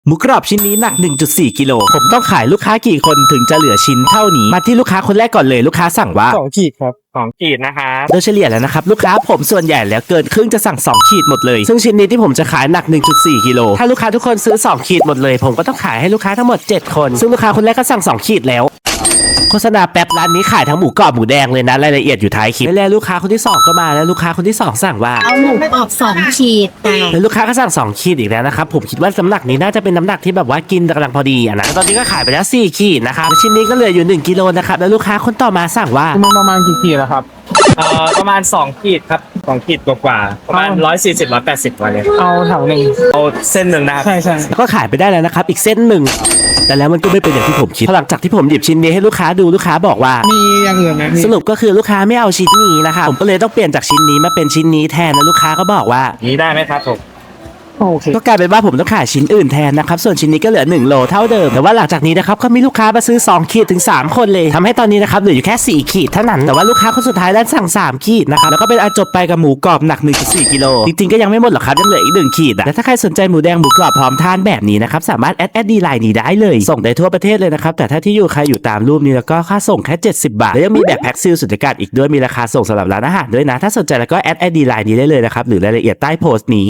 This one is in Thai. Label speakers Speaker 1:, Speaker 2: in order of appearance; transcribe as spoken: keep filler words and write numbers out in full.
Speaker 1: หมูกรอบชิ้นนี้หนัก หนึ่งจุดสี่ กิโลผมต้องขายลูกค้ากี่คนถึงจะเหลือชิ้นเท่านี้มาที่ลูกค้าคนแรกก่อนเลยลูกค้าสั่งว่า
Speaker 2: สองขีดครับ
Speaker 3: สองขีดนะครับ
Speaker 1: โดยเฉลี่ยแล้วนะครับลูกค้าผมส่วนใหญ่แล้วเกินครึ่งจะสั่งสองขีดหมดเลยซึ่งชิ้นนี้ที่ผมจะขายหนัก หนึ่งจุดสี่ กิโลถ้าลูกค้าทุกคนซื้อสองขีดหมดเลยผมก็ต้องขายให้ลูกค้าทั้งหมดเจ็ดคนซึ่งลูกค้าคนแรกก็สั่งสองขีดแล้วโฆษณาแป๊บร้านนี้ขายทั้งหมูกรอบหมูแดงเลยนะรายละเอียดอยู่ท้ายคลิปแล้วลูกค้าคนที่สองก็มาแล้วลูกค้าคนที่สองสั่งว่า
Speaker 4: เอาหมูกรอบสองขีด
Speaker 1: แล้วลูกค้าก็สั่งสองขีดอีกแล้วนะครับผมคิดว่าน้ำหนักนี้น่าจะเป็นน้ำหนักที่แบบว่ากินกำลังพอดีอ่ะนะตอนนี้ก็ขายไปแล้วสี่ขีดนะครับชิ้นนี้ก็เหลืออยู่หนึ่งกิโลนะครับแล้วลูกค้าคนต่อมาสั่งว่า
Speaker 2: มันประมาณกี่ขีดแล้วครับ
Speaker 3: เอ่อประมาณสองขีดครับสองขีดกว่าๆประมาณหนึ่งร้อยสี่สิบ หนึ่งร้อยแปดสิบวันเลย
Speaker 2: เอาถังหนึ่ง
Speaker 3: เอาเส้นหนึ่งนะครับ
Speaker 2: ใช่ใช่
Speaker 1: ก็ขายไปได้แล้วนะครับอีกเส้นหนึ่งแต่แล้วมันก็ไม่เป็นอย่างที่ผมคิดหลังจากที่ผมหยิบชิ้นนี้ให้ลูกค้าดูลูกค้าบอกว่า
Speaker 2: มีอย่างอื่นไหม
Speaker 1: สรุปก็คือลูกค้าไม่เอาชิ้นนี้นะครับผมก็เลยต้องเปลี่ยนจากชิ้นนี้มาเป็นชิ้นนี้แทนแล้วลูกค้าก็บอกว่า
Speaker 3: นี้ได้ไหมครับผม
Speaker 2: โอเค
Speaker 1: ก็กลายเป็นว่าผมต้องขายชิ้นอื่นแทนนะครับส่วนชิ้นนี้ก็เหลือหนึ่งโลเท่าเดิมแต่ว่าหลังจากนี้นะครับก็มีลูกค้ามาซื้อสองขีดถึงสามคนเลยทำให้ตอนนี้นะครับเหลืออยู่แค่สี่ขีดเท่านั้นแต่ว่าลูกค้าคนสุดท้ายนั้นสั่งสามขีดนะครับแล้วก็เป็นอาจบไปกับหมูกรอบหนัก หนึ่งจุดสี่ กิโลจริงๆก็ยังไม่หมดหรอกครับยังเหลืออีกหนึ่งขีดอ่ะและถ้าใครสนใจหมูแดงหมูกรอบพร้อมทานแบบนี้นะครับสามารถแอดแอดดีไลน์นี้ได้เลยส่งได้ทั่วประเทศเลยนะครับแต่ถ้าที่อยู่ใครอยู่ตามรูปนี้แล้วก็ค่าส่งแค่เจ็ดสิบบาทแล้วยังมีแบบแพ็คซีลสุดยอดอีกด้วยมีราคาส่งสำหรับร้านอาหารด้วยนะถ้าสนใจแล้วก็แอดแอดดีไลน์นี้ได้เลยนะครับหรือรายละเอียดใต้โพสต์นี้